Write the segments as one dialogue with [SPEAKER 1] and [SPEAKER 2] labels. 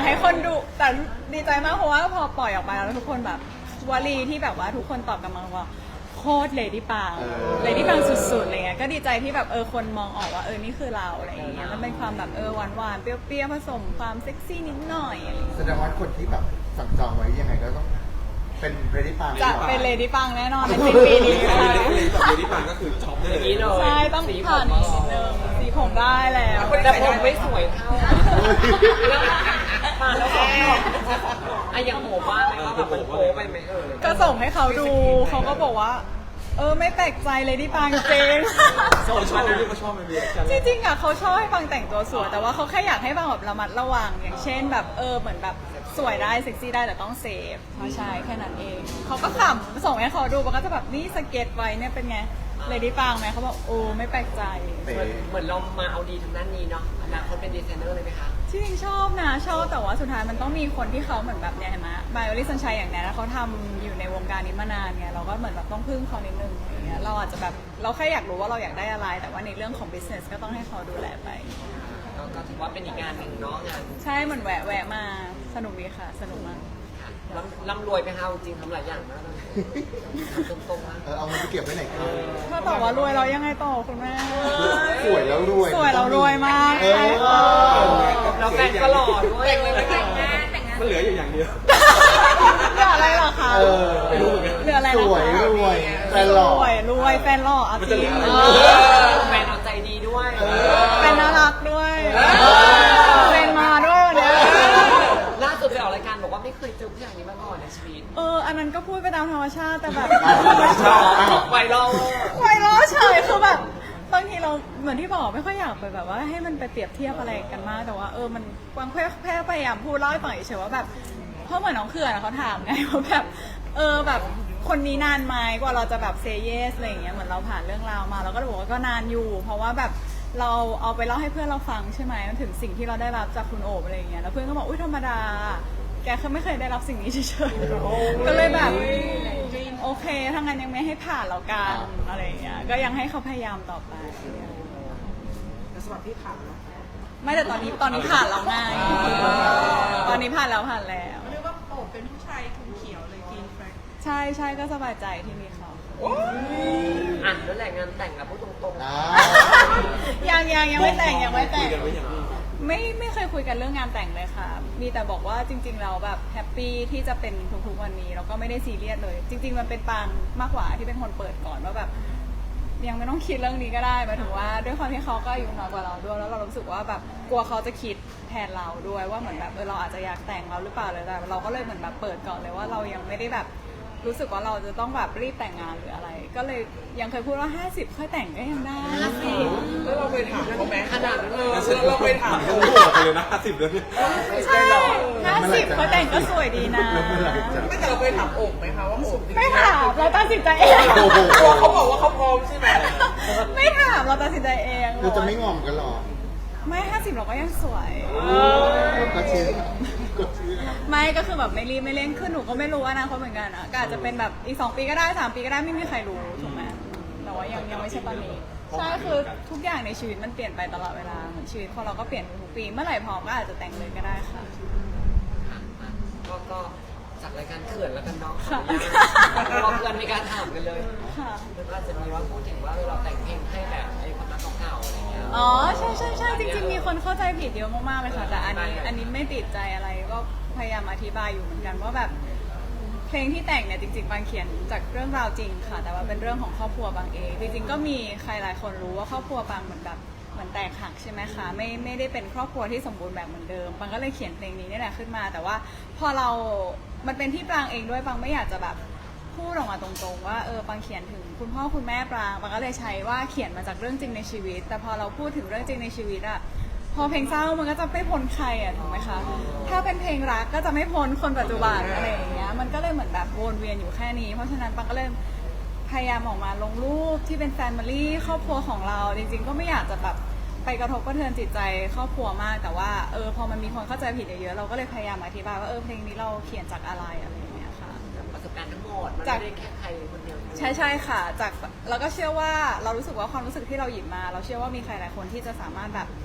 [SPEAKER 1] ให้คนดูแต่ดีใจมากเพราะว่าพอปล่อยออกไปแล้วทุกคนแบบวลีที่แบบว่าทุกคนตอบกลับมาว่าโคตรเลดี้ปังสุดๆอะไรเงี้ยก็ดีใจที่แบบคนมองออกว่านี่คือเราอะไรอย่างเงี้ยมันเป็นความแบบหวานๆเปรี้ยวๆผสมความเซ็กซี่นิดหน่อยอะไรอย่างเงี้ย
[SPEAKER 2] แสดงว่าคนที่แบบสั่งจองไว้ยังไงก็ต้องเป็นเรดี้ปัง
[SPEAKER 1] จะเป็นเลดี้ปังแน่นอนในสิ้นปีนี้ค่ะ
[SPEAKER 3] เลดี้ปังก็คือช็อปได้เลย
[SPEAKER 1] ใช่ต้องผ่านอีกนิดนึงสีผมได้แล้ว
[SPEAKER 4] แต่ผมไม่สวยเท่ามาแล้วบอกยังโหว่าไหมว่าแบบมันโป๊ไปไหม
[SPEAKER 1] ก็ส่งให้เขาดูเขาก็บอกว่าไม่แปลกใจเลยที่ปังเจง
[SPEAKER 3] ชอบเลยเขาชอบมันเลย
[SPEAKER 1] จริงๆอ่ะเขาชอบให้ปังแต่งตัวสวยแต่ว่าเขาแค่อยากให้ปังแบบระมัดระวังอย่างเช่นแบบเหมือนแบบสวยได้เซ็กซี่ได้แต่ต้องเซฟใช่แค่นั้นเองเขาก็ขำส่งให้เขาดูปังก็จะแบบนี่สเก็ตไว้เนี่ยเป็นไงเลยที่ปังไหมเขาบอกไม่แปลกใจ
[SPEAKER 4] เหมือนเรามาเอาดีทางด้านนี้เนาะอนาคตเป็นดีไซเนอร์เลยไหมคะ
[SPEAKER 1] จริงๆชอบนะชอบแต่ว่าสุดท้ายมันต้องมีคนที่เขาเหมือนแบบเนี่ยเห็นไหมไบโอลิสันชัยอย่างเนี้ยเขาทำอยู่ในวงการนี้มานานไงเราก็เหมือนแบบต้องพึ่งเขานิดนึงอย่างเงี้ยเราอาจจะแบบเราแค่อยากรู้ว่าเราอยากได้อะไรแต่ว่าในเรื่องของ business ก็ต้องให้เขาดูแลไป
[SPEAKER 4] ก็ถือว่าเป็นอีกงานหนึ่งเนาะงาน
[SPEAKER 1] ใช่เหมือนแวะมาสนุกดีค่ะสนุกมาก
[SPEAKER 4] ร่ำรวยไปค่ะจริงทำหลายอย่างมากตรงๆนะ
[SPEAKER 2] เอาเงินไปเก็บไว้ไหนครับ
[SPEAKER 1] ถ้าตอบว่ารวยเรายังไงต่อคุณแม่
[SPEAKER 2] สวยแล้วรวย
[SPEAKER 1] สวยเรารวยมากใช่ค่ะ
[SPEAKER 4] เราแฟนก็หล่อด้วยแต่งงาน
[SPEAKER 3] มันเหลืออยู่อย่างเดียว
[SPEAKER 1] เหลืออะไรหรอคะ
[SPEAKER 3] ไม่รู้เหมือนกัน
[SPEAKER 1] เหลืออะไร
[SPEAKER 2] ส
[SPEAKER 1] นะ
[SPEAKER 2] วย
[SPEAKER 1] คะ
[SPEAKER 2] รวยแฟนหล่อ
[SPEAKER 1] รวยแฟนหล่อเอาจริง
[SPEAKER 4] แฟนเอาใจดีด้วย
[SPEAKER 1] แฟนน่ารักด้วยแฟนมาด้วยวันเนี้ย
[SPEAKER 4] ล่าสุดไปออกรายการบอกว่าไม่เคยเจอผู้ชายนี้มาก่อนในชีวิต
[SPEAKER 1] อันนั้นก็พูดไปตามธรรมชาติแต่แบบ
[SPEAKER 4] ไวรัล
[SPEAKER 1] ไวรัลเฉยคือแบบบางทีเราเหมือนที่บอกไม่ค่อยอยากไปแบบว่าให้มันไปเปรียบเทียบอะไรกันมากแต่ว่ามันกวางแค่พยายามพูดเล่าให้ฟังเฉยๆว่าแบบเพราะเหมือนน้องเขื่อนเขาถามไงว่าแบบแบบคนนี้นานไหมกว่าเราจะแบบเซเยสอะไรอย่างเงี้ยเหมือนเราผ่านเรื่องราวมาเราก็บอกว่าก็นานอยู่ เพราะว่าแบบเราเอาไปเล่าให้เพื่อนเราฟังใช่ไหมมันถึงสิ่งที่เราได้รับจากคุณโอบอะไรอย่างเงี้ยแล้วเพื่อนก็บอกอุ้ยธรรมดาแกคือไม่เคยได้รับสิ่งนี้เฉยๆก็เลยแบบโอเคถ้างั้นยังไม่ให้ผ่านแล้วกันอะไรอย่างเงี้ยก็ยังให้เขาพยายามต่อไป
[SPEAKER 4] สวัสดีค่ะ
[SPEAKER 1] ไม่แต่ตอนนี้ผ่านแล้วไงตอนนี้ผ่านแล้วเ
[SPEAKER 5] รียกว่าโอบเป็นผู้ชายทุนเขียวเลยกินแฟร
[SPEAKER 1] ใช่ก็สบายใจที่มีเขา
[SPEAKER 4] แล้วแหละงานแต่งนะพูดตรง
[SPEAKER 1] ๆยังไม่แต่งไม่เคยคุยกันเรื่องงานแต่งเลยค่ะมีแต่บอกว่าจริงๆเราแบบแฮปปี้ที่จะเป็นทุกๆวันนี้แล้วก็ไม่ได้ซีเรียสเลยจริงๆมันเป็นปางมากกว่าที่เป็นคนเปิดก่อนว่าแบบยังไม่ต้องคิดเรื่องนี้ก็ได้หมายถึงว่าด้วยความที่เขาก็อายุน้อยกว่าเราด้วยแล้วเรารู้สึกว่าแบบกลัวเขาจะคิดแทนเราด้วยว่าเหมือนแบบเราอาจจะอยากแต่งเราหรือเปล่าเลยแต่เราก็เลยเหมือนแบบเปิดก่อนเลยว่าเรายังไม่ได้แบบรู้สึกว่าเราจะต้องแบบรีบแต่งงานหรืออะไรก็เลยยังเคยพูดว่า50ค่อยแต่งก็ยังได้
[SPEAKER 4] แล้วเราไปถามเขาไหมขนาดนั้น
[SPEAKER 3] เราไปถามเขาหัวไปเลยนะ50เดือน
[SPEAKER 1] ใช่50ค่อยแต่งก็สวยดีนะ
[SPEAKER 4] ไม่แต่เราไปถามโอบไหมคะว่าโอบ
[SPEAKER 1] ไม่ถามเราตัดสินใจเอง
[SPEAKER 4] เขาบอกว่าเขาพร้อมใช่ไหม
[SPEAKER 1] ไม่ถามเราตัดสินใจเอง
[SPEAKER 2] เราจะไม่งอมกันหรอ
[SPEAKER 1] ไม่50เราก็ยังสวย
[SPEAKER 2] ก็เชื่อ
[SPEAKER 1] ไม่ก็คือแบบไม่รีบไม่เร่งขึ้นหนูก็ไม่รู้อนาคตเหมือนกันอ่ะก็อาจจะเป็นแบบอีก2 ปีก็ได้3 ปีก็ได้ไม่มีใครรู้ถูกไหมแต่ว่ายังไม่ใช่ตอนนี้ใช่คือทุกอย่างในชีวิตมันเปลี่ยนไปตลอดเวลาเหมือนชีวิตของเราก็เปลี่ยนทุกปีเมื่อไหร่พร้อมก็อาจจะแต่งเลยก็ได้ค่ะ
[SPEAKER 4] ก็จากรายการเขื่อนแล้วกันเนาะเราเพื่อนไม่กล้าถามกันเลยแล้วก็จะมีว่าพูดถึงว่าเราแต่งเพลงให้แบบไอ้คนรักเก่าๆอะไรเงี้ย
[SPEAKER 1] อ๋อใช่จริงๆมีคนเข้าใจผิดเยอะมากๆเลยค่ะแต่อันนี้ไม่ติดใจอะไรก็พยายามอธิบายอยู่เหมือนกันว่าแบบเพลงที่แต่งเนี่ยจริงๆบางเขียนจากเรื่องราวจริงค่ะแต่ว่าเป็นเรื่องของครอบครัวบางเองจริงๆก็มีใครหลายคนรู้ว่าครอบครัวบางเหมือนแบบเหมือนแตกหักใช่ไหมคะไม่ได้เป็นครอบครัวที่สมบูรณ์แบบเหมือนเดิมบางก็เลยเขียนเพลงนี้นี่แหละขึ้นมาแต่ว่าพอมันเป็นที่ปรางเองด้วยบางไม่อยากจะแบบพูดออกมาตรงๆว่าปางเขียนถึงคุณพ่อคุณแม่ปรางบางก็เลยใช้ว่าเขียนมาจากเรื่องจริงในชีวิตแต่พอเราพูดถึงเรื่องจริงในชีวิตอะพอเพลงเศร้ามันก็จะไม่พ้นใครอะถูกไหมคะถ้าเป็นเพลงรักก็จะไม่พ้นคนปัจจุบันอะไรอย่างเงี้ยมันก็เลยเหมือนแบบวนเวียนอยู่แค่นี้เพราะฉะนั้นปางก็เลยพยายามออกมาลงรูปที่เป็นแฟมิลี่ครอบครัวของเราจริงๆก็ไม่อยากจะแบบไปกระทบกระเทือนจิตใจครอบครัวมากแต่ว่าพอมันมีคนเข้าใจผิดเยอะๆเราก็เลยพยายามอธิบายว่าเพลงนี้เราเขียนจากอะไรอย่างเงี้ยค่ะ
[SPEAKER 4] ประสบการณ์ทั้งหมดมันไม่ได้แค่ใครคนเดียว
[SPEAKER 1] ใช่ค่ะจากเราก็เชื่อว่าเรารู้สึกว่าความรู้สึกที่เราหยิบมาเราเชื่อว่ามีใครหลายคนที่จะสามารถแบบ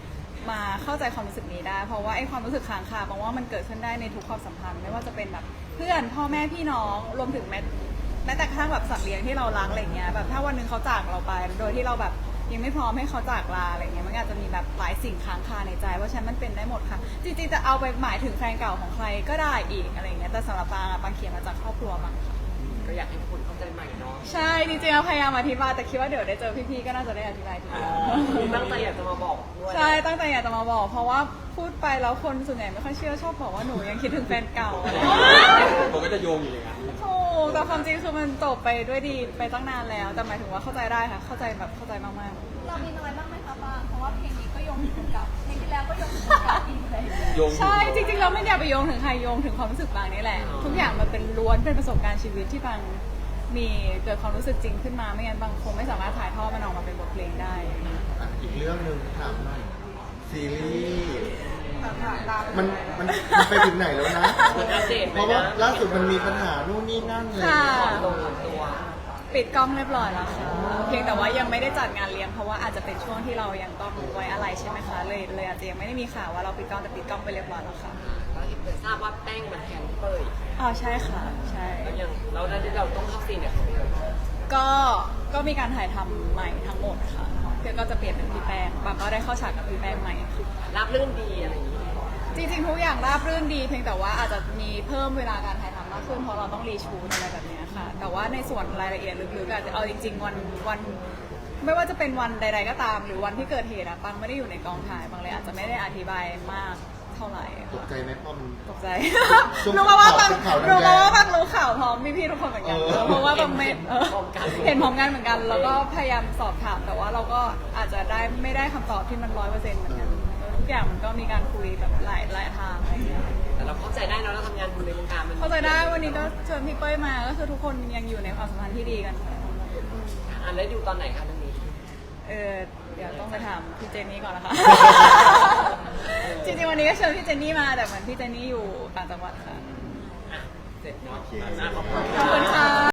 [SPEAKER 1] มาเข้าใจความรู้สึกนี้ได้ เพราะว่าไอ้ความรู้สึกค้างคาบางว่ามันเกิดขึ้นได้ในทุกความสัมพันธ์ไม่ว่าจะเป็นแบบเพื่อนพ่อแม่พี่น้องรวมถึงแม้แต่กระทั่งแบบสัตว์เลี้ยงที่เรารักอะไรเงี้ยแบบถ้าวันหนึงเขาจากเราไป โดยที่เราแบบยังไม่พร้อมให้เขาจากลาอะไรเงี้ยมันอาจจะมีแบบหลายสิ่งค้างคาในใจเพราะฉะนั้นมันเป็นได้หมดค่ะจริงๆจะเอาไปหมายถึงแฟนเก่าของใครก็ได้อีกอะไรเงี้ยแต่สำหรับปางเขียนมาจากครอบครัวบางค่ะ
[SPEAKER 4] ก็อยากให้คุณเข้าใจใหม่เนาะ
[SPEAKER 1] ใช่จริงๆเราพยายามอธิบายแต่คิดว่าเดี๋ยวได้เจอพี่ๆก็น่าจะได้อธิบายที
[SPEAKER 4] มีตั้งใจอยากจะมาบอกด้วย
[SPEAKER 1] ใช่ตั้งใจอยากจะมาบอก เพราะว่าพูดไปแล้วคนส่วนใหญ่ไม่ค่อยเชื่อชอบบอกว่าหนูยังคิดถึงแฟนเก่าอะไรอย่างเงี้ย
[SPEAKER 3] ผมก็จะโยงอยู่อย่างนั้น
[SPEAKER 1] ถูกแต่ความจริงคือมันจบไปด้วยดีไปตั้งนานแล้วแต่หมายถึงว่าเข้าใจได้ค่ะเข้าใจแบบเข้าใจมากๆ
[SPEAKER 6] เรามีน้อยบ้างไหมคะปางเพราะว่าเพลงนี้ก็โยงถึงกับเพลงที่แล้วก็โยงถึงกับอีกเลย
[SPEAKER 3] โยงอยู่
[SPEAKER 1] ใช่จริงๆเราไม่อยากไปโยงถึงใครโยงถึงความรู้สึกบางนี่แหละ ทุกอย่างมันเป็นล้วนเป็นประสบการณ์ชีวิตที่บางมีเกิดความรู้สึกจริงขึ้นมาไม่งั้นบางคงไม่สามารถถ่ายทอดมันออกมาเป็นบทเพลงได้
[SPEAKER 2] อีกเรื่องหนึ่งถามหน่อยซีรีส์มันไปถึงไหนแล้วนะ
[SPEAKER 4] มันอัปเดตไหม
[SPEAKER 2] เพราะว่า
[SPEAKER 4] นะ
[SPEAKER 2] ล่าสุดมันมีปัญหานู่นนี่นั่นเลย
[SPEAKER 1] ค่ะ
[SPEAKER 4] ตรงกับตัว
[SPEAKER 1] ปิดกล้องเรียบร้อยแล้วค่ะเพียงแต่ว่ายังไม่ได้จัดงานเลี้ยงเพราะว่าอาจจะเป็นช่วงที่เรายังต้องไว้อะไรใช่ไหมคะเลยอาจจะยังไม่ได้มีข่าวว่าเราปิดกล้องแต่ปิดกล้องไปเรียบร้อยแล้วค่ะ
[SPEAKER 4] ก็เห็นทราบว่าแป้งมันแทนพี่เป้ย
[SPEAKER 1] อ๋อใช่ค่ะใช่
[SPEAKER 4] แล้วยังเราได้ที่เราต้องเข้าซีนเนี่ย
[SPEAKER 1] ก็มีการถ่ายทำใหม่ทั้งหมดค่ะก็จะเปลี่ยนเป็นพี่แป้งบางก็ได้เข้าฉากกับพี่แป้งใหม่ค่ะ
[SPEAKER 4] รับเรื่องดีอะไรอย่างนี้
[SPEAKER 1] จริงๆทุกอย่างราบรื่นดีเพียงแต่ว่าอาจจะมีเพิ่มเวลาการถ่ายทำมากขึ้นเพราะเราต้องรีชูตอะไรแบบเนี้ยค่ะ แต่ว่าในส่วนรายละเอียดลึกๆอาจจะเอาจริงๆวันไม่ว่าจะเป็นวันใด ๆ ก็ตาม หรือวันที่เกิดเหตุอะปังไม่ได้อยู่ในกองถ่ายปังเลยอาจจะไม่ได้อธิบายมากเท่าไหร่
[SPEAKER 2] ตกใจไหมพ่อมัน
[SPEAKER 1] ตกใจ
[SPEAKER 2] ช่วง
[SPEAKER 1] รู้มาว่าปัง
[SPEAKER 2] ข่าวแดงๆ
[SPEAKER 1] รู้มาว่าปังรู้ข่าวพร้อมพี่ๆทุกคนเหมือนกัน เพราะว่าปังไม่เห็นพร้อมกันเหมือนกัน แล้วก็พยายามสอบถามแต่ว่าเราก็อาจจะได้ไม่ได้คำตอบที่มัน100%เหมือนกันทุกอย่างมันก็มีการคุยแบบหลายทางอะไรอย่างเงี้ย
[SPEAKER 4] แต่เราเข้าใจได้เนอะเราทำงานอยู่ในวงการมัน
[SPEAKER 1] เข้าใจได้วันนี้ก็เชิญพี่เป้ยมาก็คือทุกคนยังอยู่ในความสัมพันธ์ที่ดีกันค่ะ
[SPEAKER 4] อ่านแล้วดูตอนไหนคะเรื่องนี้
[SPEAKER 1] เดี๋ยวต้องไปถามพี่เจนนี่ก่อนนะคะ จริงๆวันนี้ก็เชิญพี่เจนนี่มาแต่เหมือนพี่เจนนี่อยู่ต่างจังหวัดค่ะ
[SPEAKER 4] อ่ะเสร็จเนาะ
[SPEAKER 2] โอเค
[SPEAKER 4] ขอบคุณ
[SPEAKER 1] ขอบคุณค่ะ